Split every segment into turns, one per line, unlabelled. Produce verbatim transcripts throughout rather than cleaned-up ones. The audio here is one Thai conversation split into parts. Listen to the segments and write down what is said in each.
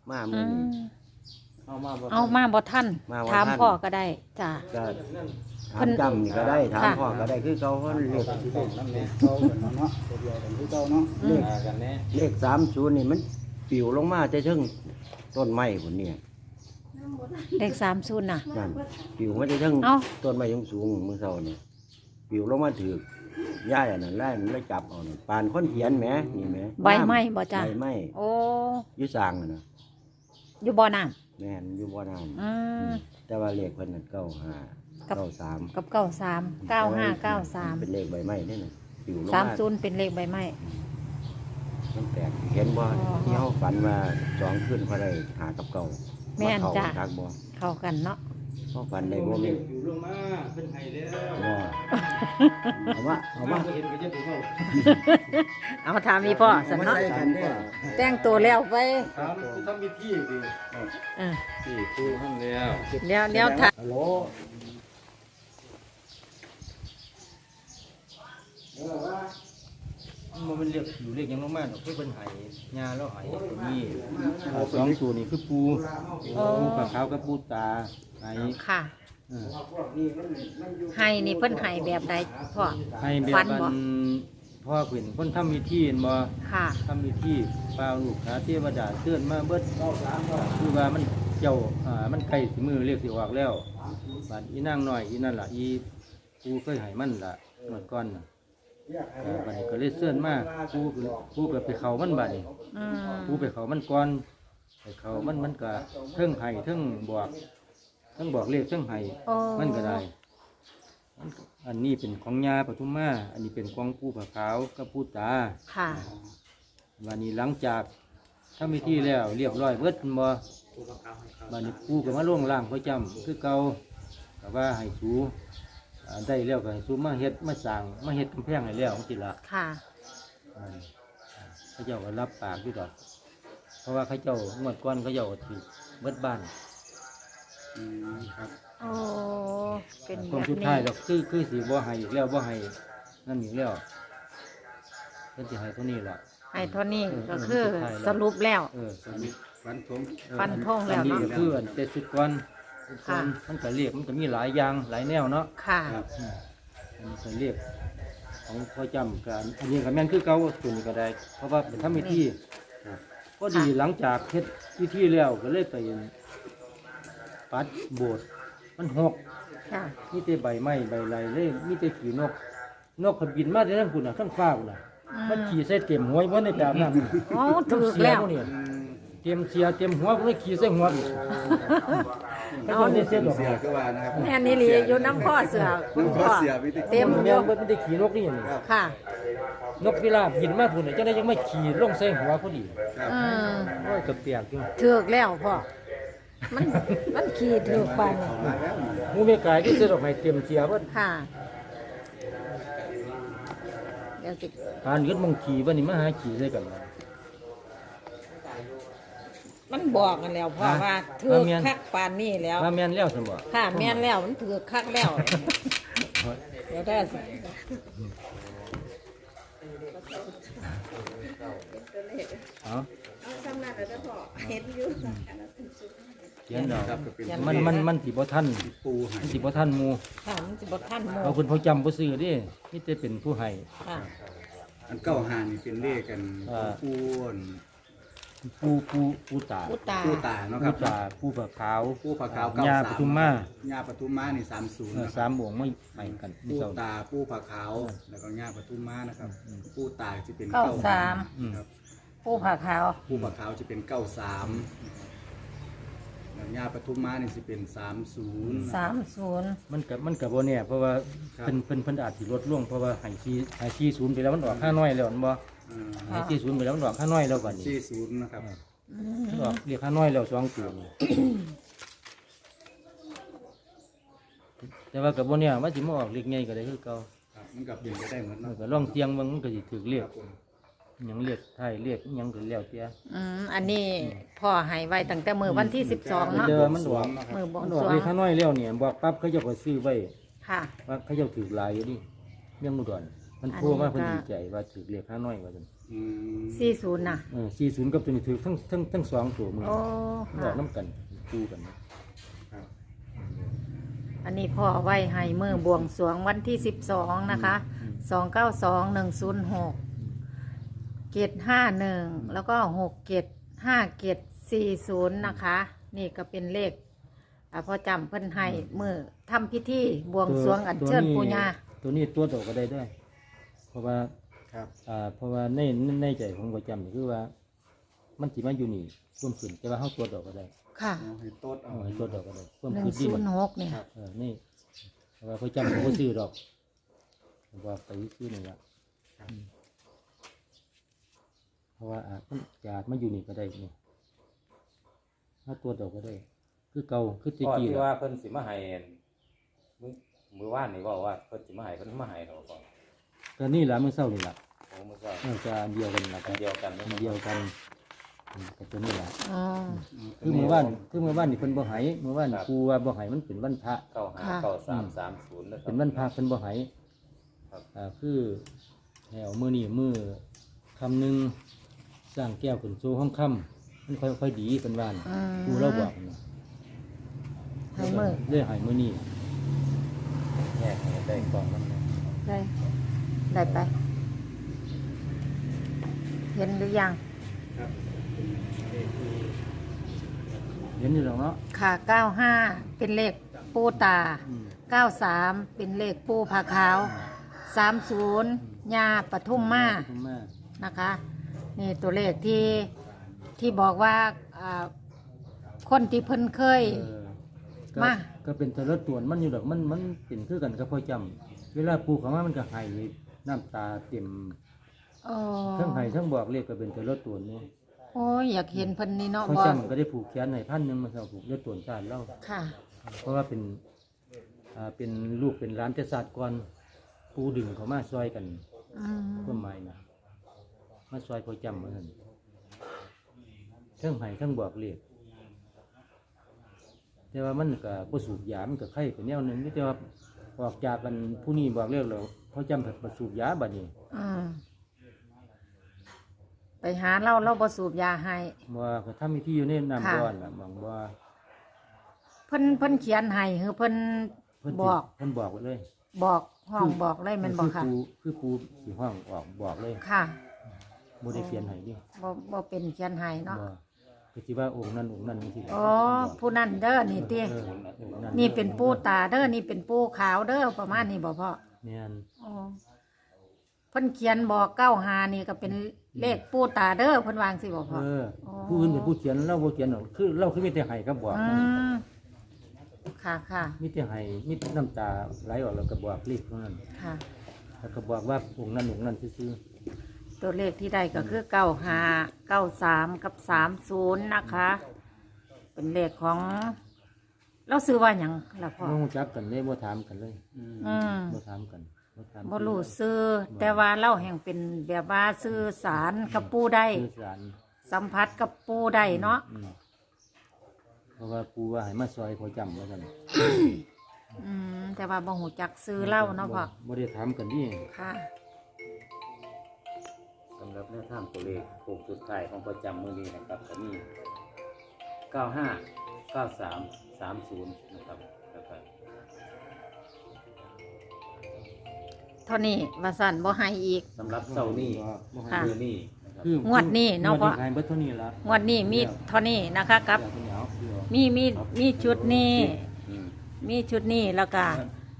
มา
อื
มื้อนี้
ม
เอามาบ่
เอามาบ่ทัน
มาบ่ทัน
ถามพ่อก็ได้จ้ะ
ก็
เพิ่
ถาม
น
จำนี่ก็ได้ถาม
ค่ะ
พ่อก็ได้คือเขาเพิ่นเลข
สิเป็นน้ำแน่เก่ากันเนาะตัวเดียวกันคือเก่าเนาะ
อืม
หากันแน่
เลขสามศูนย์นี่มันปลิวลงมาแต่เชิงต้นไม้พุ่นเนี่ย
เลขสามศูนย์น่ะ
นั่นปลิวมาแต่เชิง
เอ้า
ต้นไม้สูงๆมื้อเช้านี่ปลิวลงมาถือย่ายอันนั้นไล่มันเลยจับเอานี่ปานคนเขียนแหมนี่แหม
ใบไม้บ่จ้ะ
ใบไม้
โอ้
อยู่สร้างนั่นน่ะ
อยู่บ่อน้ำ
แม่นอยู่บ่น้ำ
อืม
แต่ว่าเลขเพิ่นนั่นเก้าห้า
กับ
เก้าสาม
กับเก้าสามเก้าห้าเก้าสาม
เป็นเลขใบไม้นี่น่ะปลิวลง
สาม
มา
ศูนย์เป็นเลขใบไม้
มันแปลกเห็นบ่
อ๋อ
ที่เฮาฝันว่าสองคืนพอได้หากับเก่า
แม่นจ้ะ
ทักบ่
เข้ากันเนาะ
เฮาฝันได้บ่แม่น
อยู่ลงมาเพิ่นให้แล้ว
บ่เอามาเอามา
บ่เห็นก็จะไปเว้า
เอาถามมีพ่อสัน
มา
เนาะ
ใส่กันเด้อ
แต่งตัวแล้วไป
ถามคือทำวิธีดิ
เออ
ที่ปูทำแล้ว
เดี๋ยวเดี๋ยวถาม
ฮัลโหลเออว่า
มันเป็นเรียกอยู่เรียกหยังลงมาดอกคือเพิ่นให้ยาแล้วให้นี่เอาสองตัวนี่คือปูปูปลาขาวกับปูตาให้
ค่ะ
เออ
พวกนี้มันมันอยู่
ให้นี่เพิ่นให้แบบใดพ่อ
ให้แบบ
ฟัน
มั
บ่
นพ่อเพิ่นคนทำวิธีเห็นบ่
ค่ะ
ทำวิธีปลาลูกค้าเทวดาเตือนมาเบิดคือว่ามันเจ้าอ่ามันใกล้สิมือเรียกสิออกแล้วบาดอีนางน้อยอีนั่นล่ะอีปูเคยให้มันล่ะเมื่อก่อนน่ะเออบัดนี้ก็เลยเสื่อนมาปูก็ปูก็ไปเขามันบัดนี้
อืม
ปูไปเขามันก่อนไปเขามันมันก็เทิงไห้เทิงบอกเทิงบอกเลขเทิงไห้
โอ้
มันก็ได้มันก็อันนี้เป็นของยาปทุมมาอันนี้เป็นของปูผาขาวกับปูตา
ค่ะ
วันนี้หลังจากทำพิธีแล้วเรียบร้อยเบิดบ่วันนี้ปูก็มาล่วงล่างพระจำคือเก่าก็ว่าให้สูอ่าได้แล้วก็ให้สูมาเฮ็ดมาสั่งมาเฮ็ดกำแพงให้แล้วของจิละ
ค่ะ
อ่าเขาเจ้าก็รับปากอยู่ดอกเพราะว่าเขาเจ้างวดก้อนเขาเจ้าก็ถือเบิดบ้าน
อืมครับ
โอ้ เป็นแบ
คน
บ
สุด
นี้
ท้ายดอกคือคือสิบ่ให้อีกแล้วบ่ให้นั่นอีกแล้วเพิ่นสิให้เท่านี้ล่ะ
ให้เท่านี้
เออ
ก็คือ
เออ
สรุปแล้ว
เออ
ฟันธง
ฟันธงแล้ว
อันนี้
เนาะ
ก็คืออันเจ็ดสิบก้อนก้อน
ค่ะ
มันก็เรียกมันก็มีหลายอย่างหลายแนวเนาะ
ค่ะ
ครับ
อืมอันนี้ก็เรียกของพ่อจำกันอันนี้ก็แม่นคือเก่าตัวนี้ก็ได้ เพราะว่าเป็นทำพิธี
ครับ
ก็ดีหลังจากเฮ็ดพิธีแล้วก็เลยไปปัดโบสถ์มันหก
ค่ะ
มีแต่ใบไม้ใบไรเลยมีแต่ขี่นก นกขบินมาแต่ทั้งคุณน่ะทั้งฟ้าคุณน่ะมันขี่ใส่เต็มหัวไว้ในแบบนั้น
โอ้ถูกแล้ว
น้ำเสียพกนี่เต็มเสียเต็มหัวพวกนี้ขี่ใส่หัวอีกเขาจะได้เสียดอก
เสือก็ว่านะครับ
แม่นี่หลีอยู่น้ำข้อเสือคุณพ่อเต็ม
มัน
อยู่
มันไม่ได้ขี่นกนี่นี่
ค่ะ
นกพิราบบินมาพุ่นน่ะจังได้ยังไม่ขี่ลงใส่หัวพอดี
อืม
โอ้ยกระเปียกอยู่
ถูกแล้วพ่อ มัน มันขี่ถูกปานนี่
หมูเมกายที่เสียดอกไม้เต็มเสียเพิ่น
ค่ะ เดี๋ยวสิ
การยึดมงขี่วันนี้มาหาขี่ใส่กัน
มันบอกกันแล้วพ่อว่าถือคักปานนี่แล้ว
ว่าแม่นแล้วซั่นบ่
ค่ะแม่นแล้วมันถือคักแล้ว เดี๋ยวได้สิ
เอา
สำนักแล้วพ่อเห็นอยู่
เขียนดอกมันมันมันสิบ่ทันปูมันสิบ่ทันหมู่
ค่ะมันสิบ่ทันหมู่
เอาเพิ่นเขาจำบ่ซื้อเดิมีแต่เป็นผู้ให้
ค่ะ
อันเก้าหานี่เป็นเลขกัน
อ่า
ปูน
ผู้ผู้ผู้ตา
อุตา
ปูตาเนาะค
ผู้
รับ
ตาผู้ผาขาว
ปูผาขาวเก้า
ญา
สา
ป
ม
ทุมมา
ญาปทุมมานี่สามศูนย์
เออ
นะค
สา
รับ
มวงไม่ไปกันมี
ปู
เจ้า
ตาปูผาขาวแล้วก็ญาปทุมมานะครับปูตาจะเป็น
เก้า
เก้า
สาม
ครับ
ผู้ผ่าขาว
ปูผาขาวจะเป็นเก้าสามแล้วญาปทุมมานี่จะเป็นสามศูนย์
สามศูนย์
มันก็มันก็บ่แน่เพราะว่า
ครับ
เพิ่นเพิ่นเพิ่นอาจสิลดลงเพราะว่าให้ซีให้ซีศูนย์ไปแล้วมันออกห้าน้อยแล้วมันบ่ให้ซีศูนย์ไปแล้วมันออกห้าน้อยแล้วบัดนี้
สี่ศูนย์นะครับ
มันออกเรียกห้าน้อยแล้วสองตัวนี่แต่ว่าก็บ่แน่ว่าสิมาออกเลขใหญ่ก็ได้คือเก่า
ครับมันกับเปลี่ยนไปได้เหมือน
มัน
เนาะ
ก็ลองเสียงเบิ่งมันก็สิถูกเรียกหยังเรียกไทยเรียกหยังก็แล้วแต่
อืมอันนี้พ่อให้ไว้ตั้งแต่มือวันที่สิบสองเนาะ
เจอมันออก
มือบวง
มัน
ส
ออก
รวง
เลขห้าน้อยแล้วเนี่ยบอกปั๊บเขาเจ้าก็ซื้อไว้
ค่ะ
ว่าเขาเจ้าถือหลายอยู่ดิเมี่ยงอุดรมันโทรมาเพิ่นดีใจว่าถือเลขห้าน้อยว่าซั่น
อืม
สี่ศูนย์น่ะ
เออสี่ศูนย์กับตัวนี้ถือทั้งทั้งทั้งสองตัวมือ
โอ้
มันอ
ค่ะ
อกน้ำกันคู่กัน
ครับ
อันนี้พ่อไว้ให้มือบวงสรวงวันที่สิบสองนะคะสองเก้าสองหนึ่งศูนย์หกเกตห้าหนึ่งแล้วก็หกเกตห้าเกตสี่ศูนย์นะคะ นี่ก็เป็นเลขอ่าพอจำเพิ่นให้มือทำพิธีบวงสรวงอัญเชิญปูญา
ตัวนี้ตัวโตก็ได้ได้ เพราะว่า
ครับ
อ่าเพราะว่าในในใจของประจำนี่คือว่า มันสิมาอยู่นี่ร่วมขึ้นแต่ว่าเขาตัวดอกก็ได้
ค่ะ
เอาให้โต๊ดเอา
เอาให้ตัวดอกก็ได้ร่วม
หนึ่ง
ขึ้นที่
ศูน
นี่
ย์หกเนี่ย
เออนี่เพราะว่าประจำเขาก็ซื้อดอกว่าไปซื้อนี่ละอืมเพราะว่าอาจมันจะอาจมาอยู่นี่ก็ได้นี่ถ้าตัวดอกก็ได้ คือเก่าคือตะ
พ่อ
กี้
ที่
ล่ะ
ว่าเพิ่นสิมาให้มื้อมื้อวานนี่บอกว่าเพิ่นสิมาให้เพิ่นมาให้เราก่อน
ก็นี่แหละมื้อเช้านี่ล่ะ
โอ้มื้อเช้า
เออจะอันเดียวกันล่ะ
อันเดียวกัน
อันเดียวกันอืมก็ตัวนี้ล่ะ
อ๋อ
คือมื้อวานคือมื้อวานนี่เพิ่นบ่ให้มื้อวานครูว่าบ่ให้มันเป็นวันพระ
เก้าห้าเก้าสามสามศูนย์นะครับ
เป็นวันพระเพิ่นบ่ให้
ครับ
อ่าคือให้เอามื้อนี้มื้อคำหนึงสร้างแก้วขึ้นสู่ห้องค่ำมันค่อยๆดีเพิ่นว่าน่ะ
อืม
ครูเราบอกนะ
ให้มือ
เลยให้มื้อนี้
แยกให้ได้กล่องนั้นนะ
ได้ ได้ไป เห็นหรือยัง
เห็นอยู่แล้วเนาะ
ค่ะเก้าห้าเป็นเลขปูตา
อืม
เก้าสามเป็นเลขปูผาขาวสามศูนย์ยาปทุมมา
ขอบคุณมาก
นะคะ นี่ตัวเลขที่ที่บอกว่าอ่าคนที่เพิ่นเคย
เออก็
มา
ก็เป็นแต่ละตัวมันอยู่ดอกมันมันเป็นคือกันกับพ่อจำเวลาปลูกเขามามันก็ให้น้ำตาเต็ม
โอ้
ทั้งให้ทั้งบอกเลขก็เป็นแต่ละตัวนี่
โอ้ยอยากเห็นเพิ่นนี่เนาะ
พ่อบ
อ
จำก็ได้ผูกแขนให้พันหนึ่งมาเท่าผูกเลือดตัวชาติเล่า
ค่ะ
เพราะว่าเป็นอ่าเป็นลูกเป็นร้านแต่ศาสตร์ก่อนปูดึงเขามาซอยกัน
อืม
เพื่อไม้นะมาซอยพ่อจำมาท่านทั้งให้ทั้งบอกเลขแต่ว่ามันก็บ่สูบยามันก็ไข้เป็นแนวหนึงแต่ว่าออกจากกันผู้นี้บอกเลขแล้วพ่อจำผัดบ่สูบยาบัดนี้
อืมไปหาเราเราบ่สูบยาให้
ว่าก็ทำมีที่อยู่ในน้ำ
ค่ะ
ก้อนล่ะบางว่า
เพิ่นเพิ่นเขียนให้คือเพิ่น
เพิ่นสิ
บอก
เพิ่นบอกไว้เลย
บอกห้องบอกเลยแมันบอกค่ะ
คือปูคือปูสิห้องออกบอกเลย
ค่ะ
บ่ได้เขียนให้ดิ
บ่บ่เป็นเขียนให้เนาะ
บ่คือสิว่าองค์นั้นองค์นั้นจังซี่
อ๋อผู้นั้นเด้อนี่ติ
เออองค์นั้น
นี่เป็นปูตาเด้อนี่เป็นปูขาวเด้อประมาณนี้บ่พ่อ
แม่น
อ๋อเพิ่นเขียนบอกเก้าหานี่ก็เป็นเลขปูตาเด้อเพิ่นวางสิบ่พ่อ
เออ
อ๋อ
ผู้อื่นเป็นผู้เขียนเราบ่เขียนหรอกคือเราคือมีแต่ให้กับบอก
อืมค่ะค่ะ
มีแต่ให้มีแต่น้ำตาไหลออกแล้วก็บอกเลขเท่านั้น
ค่ะ
แล้วก็บอกว่าองค์นั้นองค์นั้นซื่อ
ตัวเลขที่ได้ก็คือเก้าห้าเก้าสามกับสามศูนย์นะคะ เป็นเลขของ เราซื้อว่าหยังล่ะ
ๆ
พ่อ
บ่รู้จักกันเลยบ่ถามกันเลย
อืม
บ่ถามกันบ่ถาม
บ่รู้ซื้อ แต่ว่าเราแห่งเป็นแบบว่าซื้อสารกับปูได้
สื่อสาร
สัมผัสกับปูได้เนาะ
อืมเพราะว่าปูว่าให้มาซอยพอจำว่าซั่น
อืมแต่ว่าบ่หูจักซื้อเล่าเนาะพ่อ
บ่ได้ถามกันดิ
ค่ะ
สำหรับแนวทางตัวเลขโค้งสุดท้ายของประจำมื้อนี้นะครับก็มีเก้าห้าเก้าสามสามศูนย์นะครับแล้วก็
เท่านี้ว่าสั่นบ่ให้อีก
สำหรับเช้านี้
บ่ให้
ค่ะ
มื้อนี้นะครับ
คือง
วดนี้เนาะ
งวด
เพราะ
ให้เบิดเท่านี้ละ
งวดนี้มีเท่านี้นะคะกับ
เดี๋ยวเอาเดี๋ยว
มีมีมีชุดนี้
อืม
มีชุดนี้แล้วก็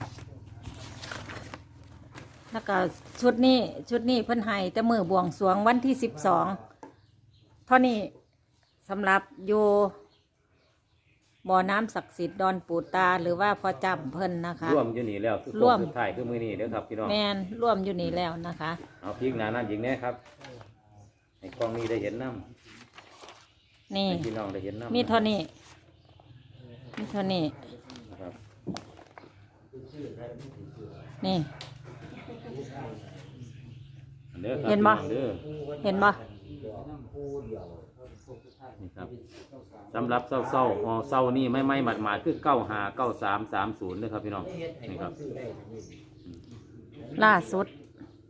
แล้วก็ชุดนี้ชุดนี้เพิ่นให้แต่มือบวงสรวงวันที่สิบสองเท่านี้สำหรับอยู่บ่อน้ำศักดิ์สิทธิ์ดอนปูตาหรือว่าพอจำเพิ่นนะคะ
ร่วมอยู่นี่แล้วคือ
ร่
โค้
ว
ง
ม
สุดท้ายคือมื้อนี้เด้อครับพี่น้อง
แมนร่วมอยู่นี่แล้วนะคะ
เอาพริกหนานั่นยิงแน่ครับให้กล้องนี้ได้เห็นน้ำ
นี่
ให้พี่น้องได้เห็นน้ำ
มีเท่านี้มีเท่านี้
นะครับ
นี่
เด้อครับ
เห็นบ่
พี่องเด้อ
เห็นบ่
นี่ครับสำหรับเศร้าเศร้าๆอ๋อเศร้านี่ไม่ไม่หมัดหมาดคือเก้าหาเก้าสามสามศูนย์นะครับพี่น้องนี่ครับ
ล่าสุด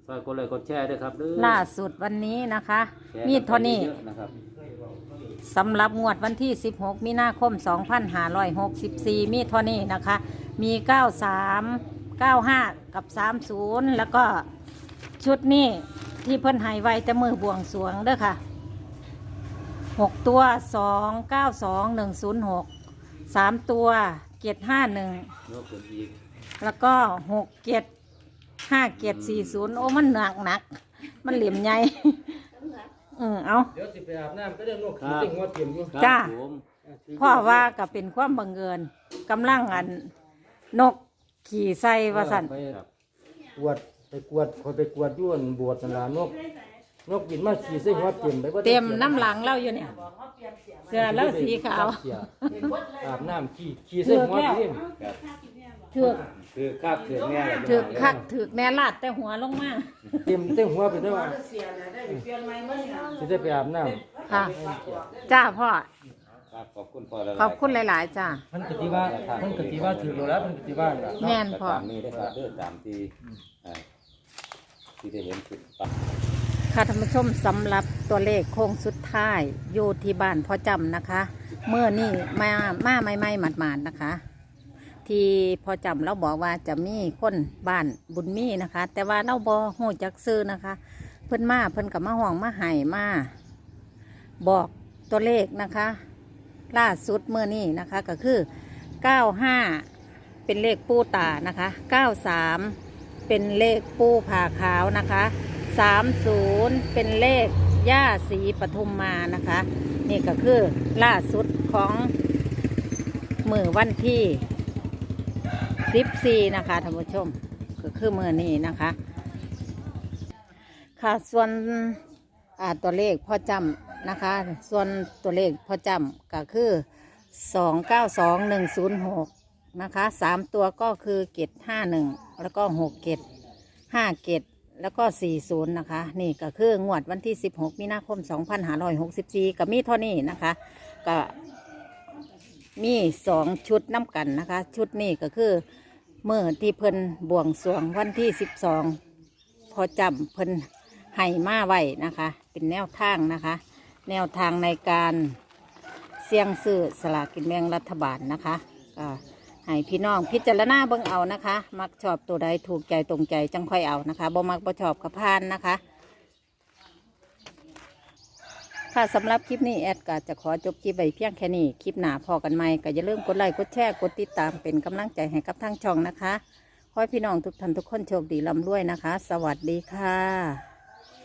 ฝากกดไลค์กดแชร์ด้วยครับเด้อ
ล่าสุดวันนี้นะคะ
แชร์
มีเท่านี้
เยอะๆนะครับ
สำหรับงวดวันที่ สิบหก มีนาคม สองพันห้าร้อยหกสิบสี่ มีเท่านี้นะคะ มี เก้าสาม เก้าห้า กับ สามสิบ แล้วก็ชุดนี้ที่เพิ่นให้ไว้แต่มือบวงสรวงเด้อค่ะ หกตัว สอง เก้า สอง หนึ่ง ศูนย์ หก สามตัวเจ็ดห้าหนึ่ง
ยกขึ้นอีก
แล้วก็หกเจ็ดห้าเจ็ดสี่ศูนย์โอ้มันหนักหนัก มันเหลี่ยมใหญ่ อืมเอา
เดี๋ยวสิไปอาบน้ำก็เดินนก
ครั
ขี่
บ
สิงหัวเตรียมอยู่
จ้า
ครับผม
พ่อว่าก็เป็นความบังเอิญกำลังอันนกขี่ใส่ว่าสัน
ไปกวดไปกวดคอยไปกวดย้วนบวชนั่นล่ะนกนกบินมาขี่สิงหัวเตรียมไปบ่ได้
เต็มน้ำหลังเล่าอยู่เนี่ย เสื้อแล้วสีขาว
เสียอาบน้ำขี่ขี่สิงหัวเตรียม
ครับ
ถือก
คือคาบถือแน่เลย
ถือกคักถือกแม่ลาดแต่หัวลงมา
เตรียมเต็มหัวไปได้ว่าสิได้ไปอาบน้ำ
ค่ะ จ้าพ่อ
ครับขอบคุณพ่อหลายๆ
ขอบคุณหลาย ๆ จ้า
เพิ่นกติว่าเพิ่นกติว่าถือแล้วเพิ่นกติว่าล่ะ
แม่น
ก็
พ่อ
ตามนี้นะครับเด้อตามที่อ่าที่ได้เห็นคลิปปั๊บ
ค่ะท่านผู้ชมสำหรับตัวเลขโค้งสุดท้ายอยู่ที่บ้านพ่อจำนะคะเมื่อนี่มามาไม่ไม่หมาดๆนะคะ ที่พ่อจำเราบอกว่าจะมีคนบ้านบุญมีนะคะ แต่ว่าเราบอหูจักซื้อนะคะ เพิ่นมาเพิ่นกับมาห่วงมาไห้มาบอกตัวเลขนะคะ ล่าสุดเมื่อนี้นะคะก็คือเก้าห้าเป็นเลขปูตานะคะเก้าสามเป็นเลขปูผ่าขาวนะคะสามศูนย์เป็นเลขย่าศรีปทุมมานะคะ นี่ก็คือล่าสุดของมือวันที่สิบสี่นะคะท่านผู้ชมก็คือมือนี้นะคะค่ะส่วนอ่าตัวเลขพ่อจำนะคะ ส่วนตัวเลขพ่อจำก็คือสองเก้าสองหนึ่งศูนย์หกนะคะสามตัวก็คือเกตห้าหนึ่งแล้วก็หกเกตห้าเกตแล้วก็สี่ศูนย์นะคะ นี่ก็คืองวดวันที่สิบหกมีนาคมสองพันห้าร้อยหกสิบสี่กับมีเท่านี้นะคะก็มีสองชุดน้ำกันนะคะ ชุดนี้ก็คือเมื่อที่เพิ่นบวงสรวงวันที่สิบสองพอจำเพิ่นให้มาไว้นะคะ เป็นแนวทางนะคะ แนวทางในการเสี่ยงซื้อสลากกินแบ่งรัฐบาลนะคะก็ให้พี่น้องพิจารณาเบิ่งเอานะคะ มักชอบตัวใดถูกใจตรงใจจังค่อยเอานะคะบ่มักบ่ชอบกับพานนะคะค่ะสำหรับคลิปนี้แอดก็จะขอจบคลิปไว้เพียงแค่นี้คลิปหน้าพอกันใหม่ก็อย่าลืมกดไลค์กดแชร์กดติดตามเป็นกำลังใจให้กับทางช่องนะคะขอให้พี่น้องทุกท่านทุกคนโชคดีร่ำรวยนะคะ สวัสดีค่ะ